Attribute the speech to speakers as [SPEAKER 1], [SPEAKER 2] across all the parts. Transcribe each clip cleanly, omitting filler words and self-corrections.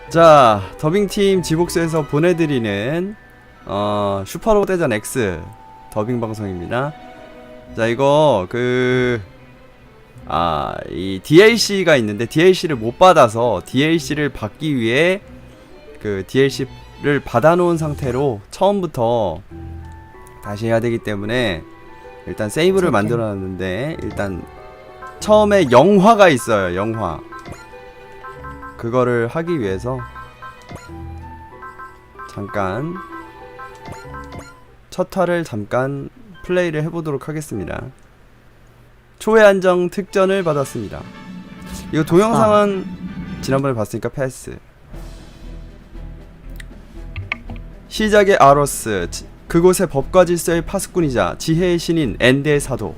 [SPEAKER 1] 자, 더빙팀 지복스에서 보내드리는 슈퍼로봇 대전 X 더빙 방송입니다. 자, 이거 이 DLC가 있는데 DLC를 못 받아서 DLC를 받기 위해 그 DLC를 받아놓은 상태로 처음부터 다시 해야 되기 때문에 일단 세이브를 만들어놨는데, 일단 처음에 영화가 있어요. 영화 그거를 하기 위해서 잠깐 첫 화를 잠깐 플레이를 해보도록 하겠습니다. 초회 안정 특전을 받았습니다. 이거 동영상은 지난번에 봤으니까 패스. 시작의 아로스, 그곳의 법과 질서의 파수꾼이자 지혜의 신인 엔데의 사도.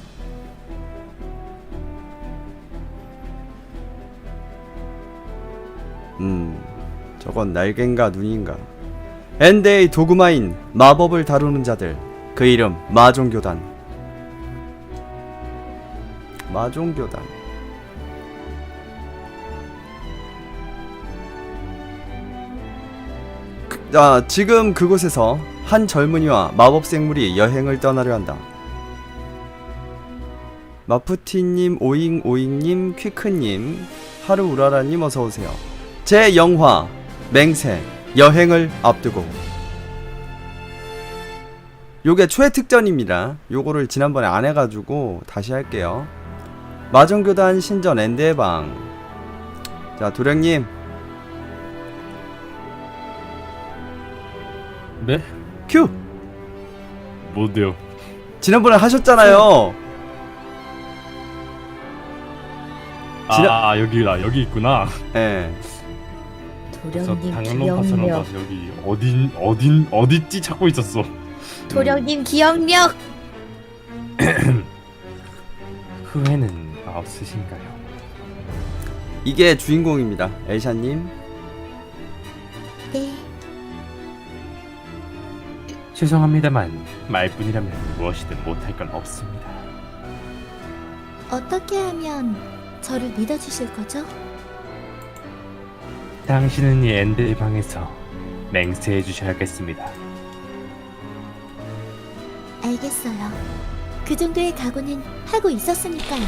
[SPEAKER 1] 저건 날갠가 눈인가. 엔데의 도구마인 마법을 다루는 자들, 그 이름 마종교단. 마종교단. 지금 그곳에서 한 젊은이와 마법 생물이 여행을 떠나려 한다. 마푸티님, 오잉오잉님, 퀴크님, 하루우라라님 어서오세요. 제 영화 맹세 여행을 앞두고, 요게 초회 특전입니다. 요거를 지난번에 안 해가지고 다시 할게요. 마정교단 신전 엔드의 방. 자, 도령님.
[SPEAKER 2] 네?
[SPEAKER 1] 큐!
[SPEAKER 2] 뭔데요?
[SPEAKER 1] 지난번에 하셨잖아요.
[SPEAKER 2] 여기 있구나.
[SPEAKER 1] 예.
[SPEAKER 3] 도령님
[SPEAKER 2] 당연한 파처럼
[SPEAKER 3] 기억력.
[SPEAKER 2] 봐서 여기 어딨지 찾고 있었어.
[SPEAKER 3] 도령님 기억력.
[SPEAKER 2] 후회는 없으신가요?
[SPEAKER 1] 이게 주인공입니다. 엘샤님.
[SPEAKER 3] 네.
[SPEAKER 2] 죄송합니다만 말뿐이라면 무엇이든 못할 건 없습니다.
[SPEAKER 3] 어떻게 하면 저를 믿어주실 거죠?
[SPEAKER 2] 당신은 이 엔드의 방에서 맹세해 주셔야겠습니다.
[SPEAKER 3] 알겠어요. 그 정도의 각오는 하고 있었으니까요.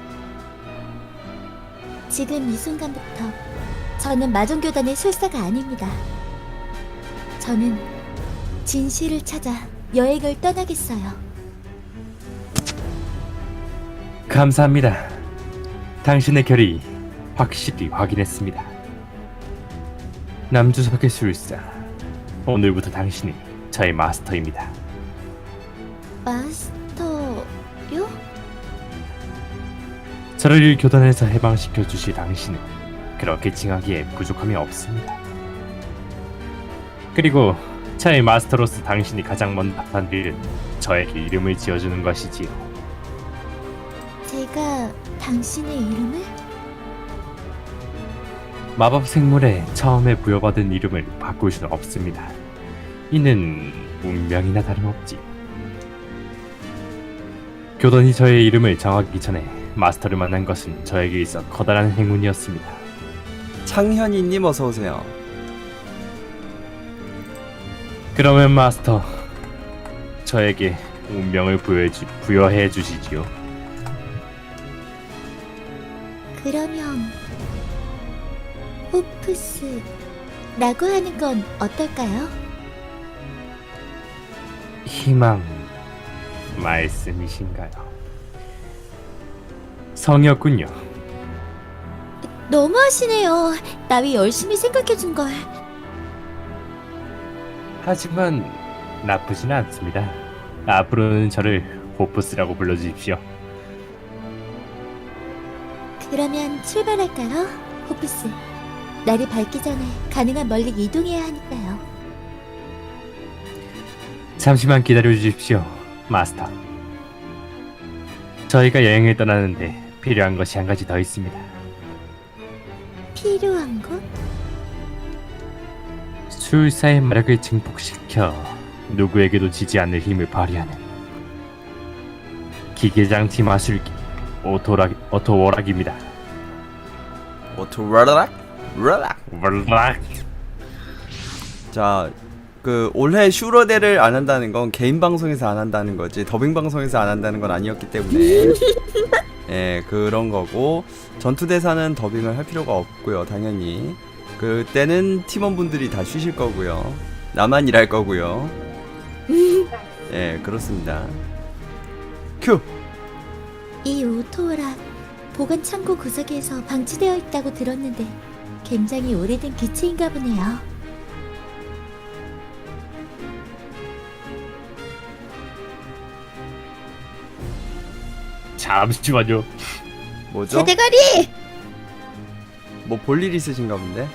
[SPEAKER 3] 지금 이 순간부터 저는 마종교단의 술사가 아닙니다. 저는 진실을 찾아 여행을 떠나겠어요.
[SPEAKER 2] 감사합니다. 당신의 결의 확실히 확인했습니다. 남주석의 술사, 오늘부터 당신이 저의 마스터입니다.
[SPEAKER 3] 마스터요?
[SPEAKER 2] 저를 교단에서 해방시켜 주실 당신은 그렇게 칭하기에 부족함이 없습니다. 그리고 저의 마스터로서 당신이 가장 먼저 한 일은 저에게 이름을 지어주는 것이지요.
[SPEAKER 3] 제가 당신의 이름을?
[SPEAKER 2] 마법 생물에 처음에 부여받은 이름을 바꿀 수는 없습니다. 이는 운명이나 다름없지. 교단이 저의 이름을 정하기 전에 마스터를 만난 것은 저에게 있어 커다란 행운이었습니다.
[SPEAKER 1] 창현이님 어서오세요.
[SPEAKER 2] 그러면 마스터, 저에게 운명을 부여해 주시지요.
[SPEAKER 3] 그러면 호프스라고 하는 건 어떨까요?
[SPEAKER 2] 희망 말씀이신가요? 성이었군요.
[SPEAKER 3] 너무하시네요. 나위 열심히 생각해준 걸.
[SPEAKER 2] 하지만 나쁘진 않습니다. 앞으로는 저를 호프스라고 불러주십시오.
[SPEAKER 3] 그러면 출발할까요? 호프스. 날이 밝기 전에 가능한 멀리 이동해야 하니까요.
[SPEAKER 2] 잠시만 기다려주십시오, 마스터. 저희가 여행을 떠나는데 필요한 것이 한 가지 더 있습니다.
[SPEAKER 3] 필요한 것?
[SPEAKER 2] 술사의 마력을 증폭시켜 누구에게도 지지 않을 힘을 발휘하는 기계장치 마술기 오토워락입니다.
[SPEAKER 1] 오토워락? 르락.
[SPEAKER 2] 월락.
[SPEAKER 1] 자, 그 올해 슈러데를 안 한다는 건 개인 방송에서 안 한다는 거지 더빙 방송에서 안 한다는 건 아니었기 때문에 예, 그런 거고 전투 대사는 더빙을 할 필요가 없고요. 당연히 그때는 팀원분들이 다 쉬실 거고요. 나만 일할 거고요. 예, 그렇습니다. 큐.
[SPEAKER 3] 이 오토라 보관 창고 구석에서 방치되어 있다고 들었는데 굉장히 오래된 기체인가 보네요.
[SPEAKER 2] 잠시만요.
[SPEAKER 1] 뭐죠?
[SPEAKER 3] 대가리!
[SPEAKER 1] 뭐 볼 일 있으신가 본데?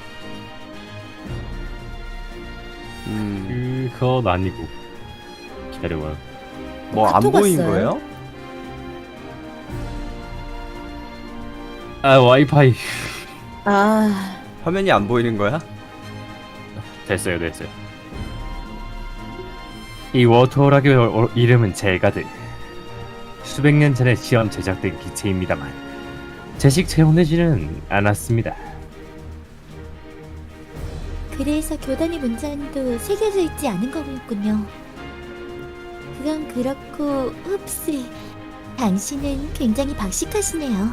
[SPEAKER 2] 그건 아니고. 기다려봐요.
[SPEAKER 1] 뭐 안
[SPEAKER 3] 카톡
[SPEAKER 1] 보인
[SPEAKER 3] 왔어요?
[SPEAKER 1] 거예요?
[SPEAKER 2] 아, 와이파이.
[SPEAKER 3] 아,
[SPEAKER 1] 화면이 안 보이는 거야?
[SPEAKER 2] 됐어요. 이 워터락의 이름은 젤가드. 수백 년 전에 시험 제작된 기체입니다만 제식 채워내지는 않았습니다.
[SPEAKER 3] 그래서 교단의 문장도 새겨져 있지 않은 거군요. 그건 그렇고 흡스, 당신은 굉장히 박식하시네요.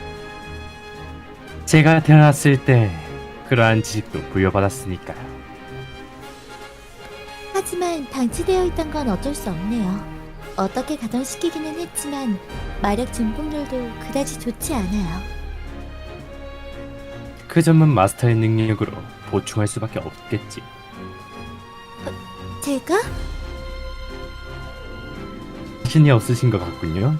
[SPEAKER 2] 제가 태어났을 때 그러한 지식도 부여받았으니까요.
[SPEAKER 3] 하지만 방치되어 있던 건 어쩔 수 없네요. 어떻게 가동시키기는 했지만 마력 증폭률도 그다지 좋지 않아요.
[SPEAKER 2] 그 점은 마스터의 능력으로 보충할 수밖에 없겠지.
[SPEAKER 3] 제가?
[SPEAKER 2] 자신이 없으신 것 같군요.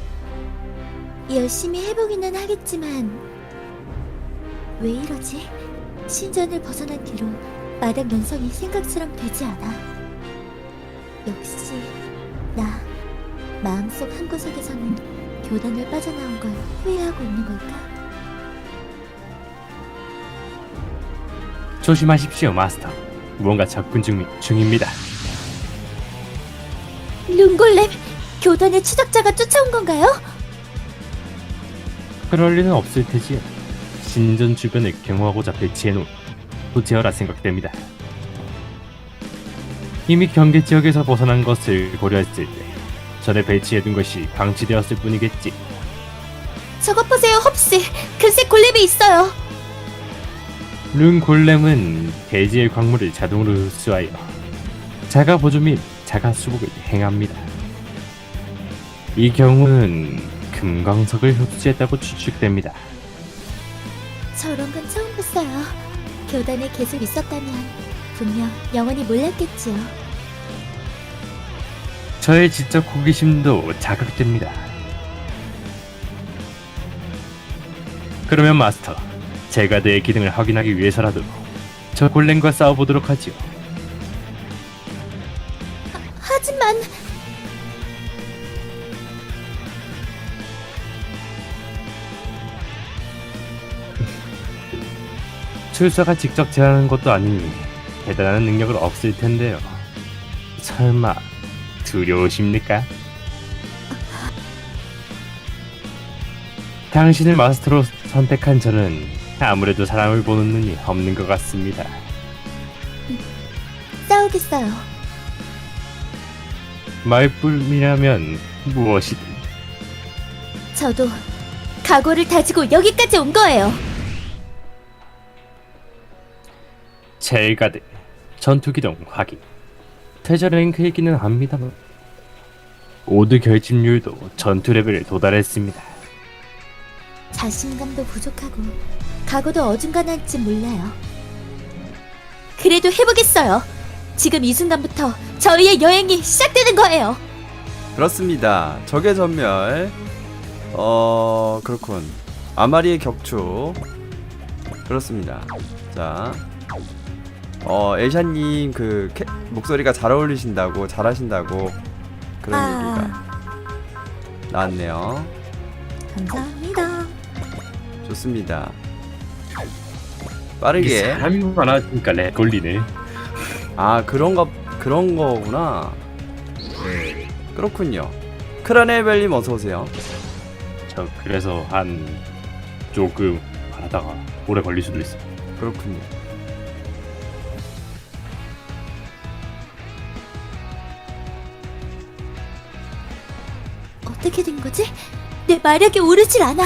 [SPEAKER 3] 열심히 해보기는 하겠지만 왜 이러지? 신전을 벗어난 뒤로 마력 연성이 생각처럼 되지 않아. 역시 나 마음속 한구석에서는 교단을 빠져나온 걸 후회하고 있는 걸까?
[SPEAKER 2] 조심하십시오, 마스터. 무언가 접근 중입니다.
[SPEAKER 3] 룬골렘! 교단의 추적자가 쫓아온 건가요?
[SPEAKER 2] 그럴 리는 없을 테지요. 신전 주변을 경호하고자 배치해놓은 도제어라 생각됩니다. 이미 경계 지역에서 벗어난 것을 고려했을 때 전에 배치해둔 것이 방치되었을 뿐이겠지.
[SPEAKER 3] 저것 보세요, 헙스! 글쎄 골렘이 있어요!
[SPEAKER 2] 룬 골렘은 대지의 광물을 자동으로 흡수하여 자가 보조 및 자가 수복을 행합니다. 이 경우는 금광석을 흡수했다고 추측됩니다.
[SPEAKER 3] 저런 건 처음 봤어요. 교단에 계속 있었다면 분명 영원히 몰랐겠지요.
[SPEAKER 2] 저의 지적 호기심도 자극됩니다. 그러면 마스터, 젤가드의 기능을 확인하기 위해서라도 저 골렘과 싸워보도록 하지요.
[SPEAKER 3] 하지만
[SPEAKER 2] 출사가 직접 제안하는 것도 아니니 대단한 능력은 없을 텐데요. 설마 두려우십니까? 당신을 마스터로 선택한 저는 아무래도 사람을 보는 눈이 없는 것 같습니다.
[SPEAKER 3] 싸우겠어요.
[SPEAKER 2] 말뿐이라면 무엇이든.
[SPEAKER 3] 저도 각오를 다지고 여기까지 온 거예요.
[SPEAKER 2] 젤가드 전투기동 확인. 퇴저 랭크이기는 합니다만 오드 결집률도 전투 레벨에 도달했습니다.
[SPEAKER 3] 자신감도 부족하고 각오도 어중간할지 몰라요. 그래도 해보겠어요. 지금 이 순간부터 저희의 여행이 시작되는 거예요.
[SPEAKER 1] 그렇습니다. 적의 전멸. 그렇군. 아마리의 격추. 그렇습니다. 자, 엘샤님 목소리가 잘 어울리신다고, 잘하신다고 그런 얘기가 나왔네요.
[SPEAKER 3] 감사합니다.
[SPEAKER 1] 좋습니다.
[SPEAKER 2] 이게
[SPEAKER 1] 빠르게.
[SPEAKER 2] 사람이 많아지니까 렉 걸리네.
[SPEAKER 1] 아, 그런 거구나. 그렇군요. 크라네벨님 어서 오세요.
[SPEAKER 2] 저 그래서 한 조금 하다가 오래 걸릴 수도 있어.
[SPEAKER 1] 그렇군요.
[SPEAKER 3] 어떻게 된 거지? 내 마력이 오르질 않아.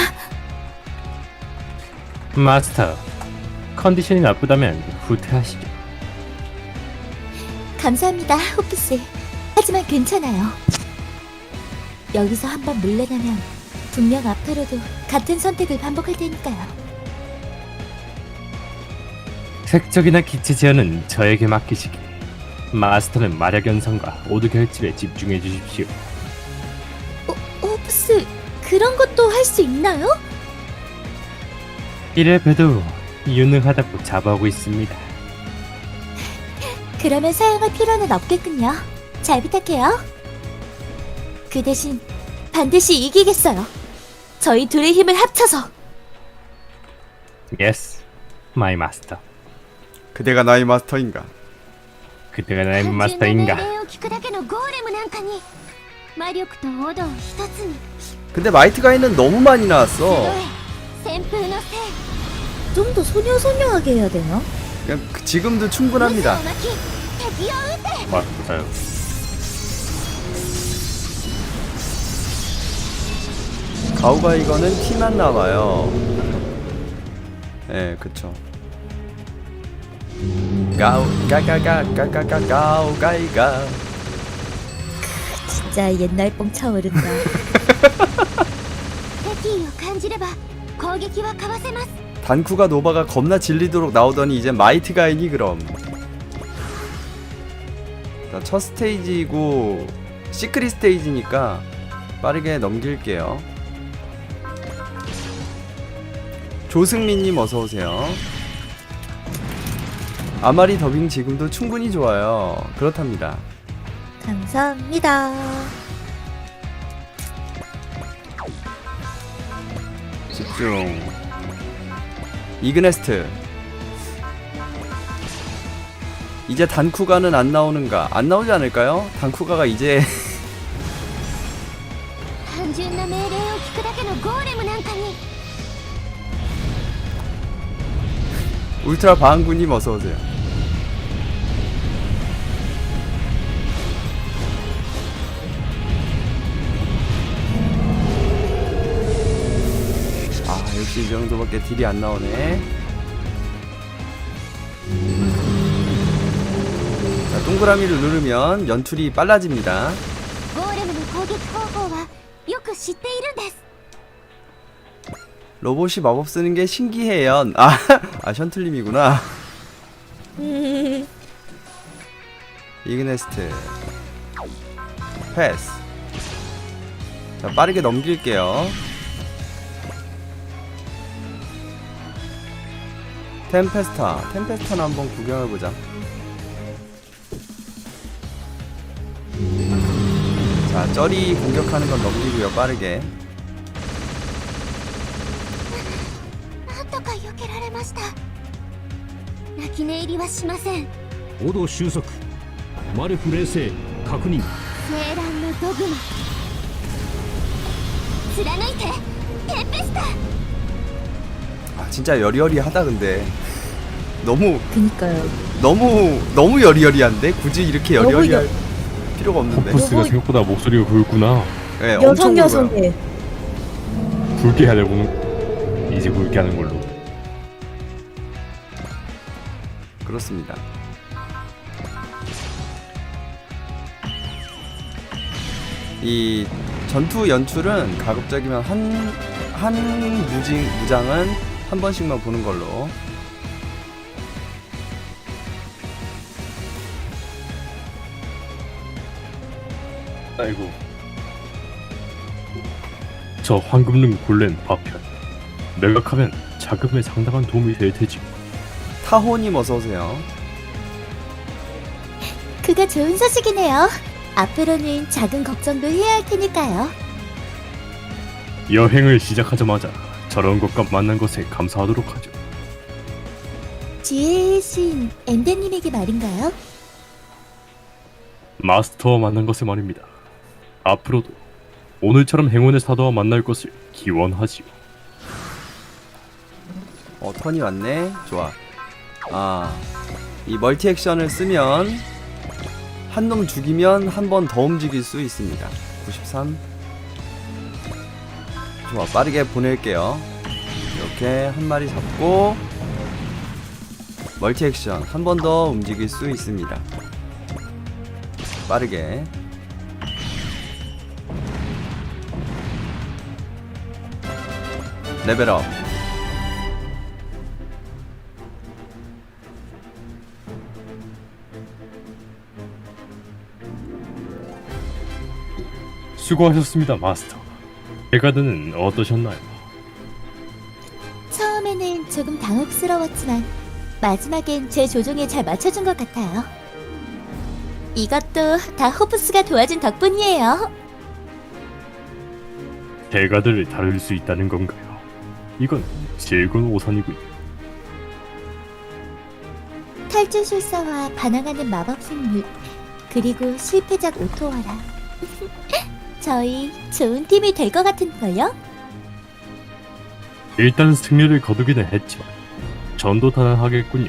[SPEAKER 2] 마스터, 컨디션이 나쁘다면 후퇴하시죠.
[SPEAKER 3] 감사합니다, 호프씨. 하지만 괜찮아요. 여기서 한번 물러나면 분명 앞으로도 같은 선택을 반복할 테니까요.
[SPEAKER 2] 색적이나 기체 제어는 저에게 맡기시기. 마스터는 마력 연상과 오드 결집에 집중해 주십시오.
[SPEAKER 3] 호프스, 그런 것도 할 수 있나요?
[SPEAKER 2] 이래 봬도 유능하다고 자부하고 있습니다.
[SPEAKER 3] 그러면 사용할 필요는 없겠군요. 잘 부탁해요. 그 대신 반드시 이기겠어요. 저희 둘의 힘을 합쳐서.
[SPEAKER 2] Yes, my master.
[SPEAKER 1] 그대가 나의 마스터인가?
[SPEAKER 2] 그때가 나의 마스터인가?
[SPEAKER 1] 근데 마이트 가이는 너무 많이 나왔어.
[SPEAKER 3] 좀 더 소녀소녀하게 해야 되나?
[SPEAKER 1] 그냥 지금도 충분합니다.
[SPEAKER 2] 맞아요.
[SPEAKER 1] 가오가이거는 티만 남아요. 예, 그쵸. 가오가가가가가가가오가이가.
[SPEAKER 3] 진짜 옛날 뽕 차오른다.
[SPEAKER 1] 단쿠가 노바가 겁나 질리도록 나오더니 이제 마이트 가이니 그럼. 자, 첫 스테이지고 시크릿 스테이지니까 빠르게 넘길게요. 조승민님 어서오세요. 아마리 더빙 지금도 충분히 좋아요. 그렇답니다.
[SPEAKER 3] 감사합니다.
[SPEAKER 1] 집중. 이그네스트. 이제 단쿠가는 안 나오는가? 안 나오지 않을까요? 단쿠가가 이제 울트라 바한구님 어서오세요. 아, 역시 이 정도밖에 딜이 안 나오네. 자, 동그라미를 누르면 연출이 빨라집니다. 로봇이 마법 쓰는 게 신기해요. 아, 션틀님이구나. 이그네스트 패스. 자, 빠르게 넘길게요. 템페스타는 한번 구경해보자. 자, 쩌리 공격하는 건 넘기고요. 빠르게.
[SPEAKER 4] 오도収束マルフ冷静確認
[SPEAKER 1] 아, 진짜 여리여리하다. 근데
[SPEAKER 3] 그니까요.
[SPEAKER 1] 너무 여리여리한데 굳이 이렇게
[SPEAKER 3] 너무
[SPEAKER 1] 여리여리할 필요가 없는데.
[SPEAKER 2] 호프스가 생각보다 목소리가 굵구나.
[SPEAKER 1] 네, 엄청 굵어요.
[SPEAKER 2] 굵게 하려고는 이제 굵게 하는 걸로.
[SPEAKER 1] 그렇습니다. 이 전투 연출은 가급적이면 한 무장은 한 번씩만 보는 걸로.
[SPEAKER 2] 아이고. 저 황금능 골렘 파편. 매각하면 자금에 상당한 도움이 될 테지.
[SPEAKER 1] 타호님 어서오세요.
[SPEAKER 3] 그가 좋은 소식이네요. 앞으로는 작은 걱정도 해야 할 테니까요.
[SPEAKER 2] 여행을 시작하자마자 저런 것과 만난 것에 감사하도록 하죠.
[SPEAKER 3] 뒤에 계신 엔데님에게 말인가요?
[SPEAKER 2] 마스터와 만난 것에 말입니다. 앞으로도 오늘처럼 행운의 사도와 만날 것을 기원하지요.
[SPEAKER 1] 턴이 왔네. 좋아. 이 멀티 액션을 쓰면 한 놈 죽이면 한 번 더 움직일 수 있습니다. 93. 좋아, 빠르게 보낼게요. 이렇게 한 마리 잡고 멀티 액션 한 번 더 움직일 수 있습니다. 빠르게. 레벨업.
[SPEAKER 2] 수고하셨습니다, 마스터. 베가드는 어떠셨나요?
[SPEAKER 3] 처음에는 조금 당혹스러웠지만 마지막엔 제 조종에 잘 맞춰준 것 같아요. 이것도 다 호프스가 도와준 덕분이에요.
[SPEAKER 2] 베가드를 다룰 수 있다는 건가요? 이건 즐거운 오산이군요.
[SPEAKER 3] 탈주술사와 반항하는 마법생물, 그리고 실패작 오토와라. 저희 좋은 팀이 될 것 같은걸요?
[SPEAKER 2] 일단 승리를 거두기는 했지만 전도탄을 하겠군요.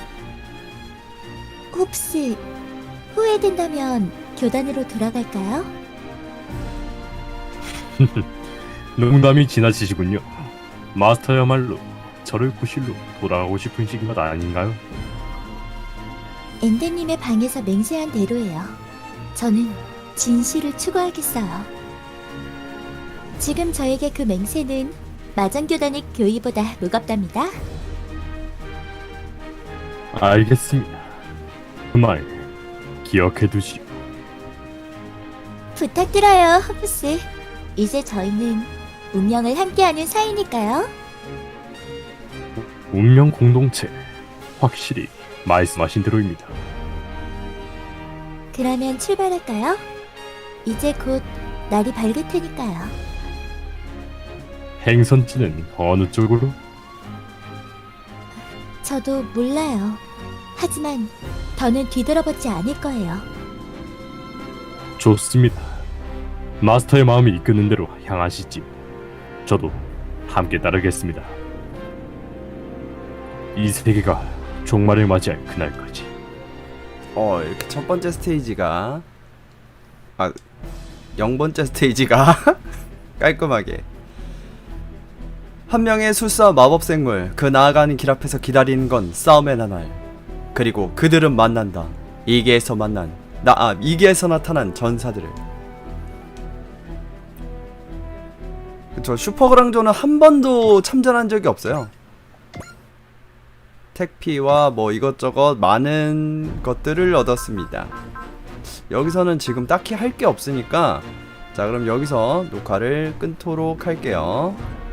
[SPEAKER 3] 혹시 후회된다면 교단으로 돌아갈까요?
[SPEAKER 2] 농담이 지나치시군요. 마스터야말로 저를 구실로 돌아가고 싶으신 것 아닌가요?
[SPEAKER 3] 엔데님의 방에서 맹세한 대로예요. 저는 진실을 추구하겠어요. 지금 저에게 그 맹세는 마장교단의 교의보다 무겁답니다.
[SPEAKER 2] 알겠습니다. 그 말 기억해두시오.
[SPEAKER 3] 부탁드려요, 호프스. 이제 저희는 운명을 함께하는 사이니까요.
[SPEAKER 2] 운명 공동체, 확실히 말씀하신 대로입니다.
[SPEAKER 3] 그러면 출발할까요? 이제 곧 날이 밝을 테니까요.
[SPEAKER 2] 행선지는 어느 쪽으로?
[SPEAKER 3] 저도 몰라요. 하지만 더는 뒤돌아보지 않을 거예요.
[SPEAKER 2] 좋습니다. 마스터의 마음이 이끄는 대로 향하시지. 저도 함께 따르겠습니다. 이 세계가 종말을 맞이할 그날까지.
[SPEAKER 1] 이렇게 첫 번째 스테이지가 0번째 스테이지가 깔끔하게 한 명의 술사 마법생물, 그 나아가는 길 앞에서 기다리는 건 싸움의 나날. 그리고 그들은 만난다. 이계에서 나타난 전사들을. 그쵸, 슈퍼그랑조는 한 번도 참전한 적이 없어요. 택피와 뭐 이것저것 많은 것들을 얻었습니다. 여기서는 지금 딱히 할 게 없으니까, 자, 그럼 여기서 녹화를 끊도록 할게요.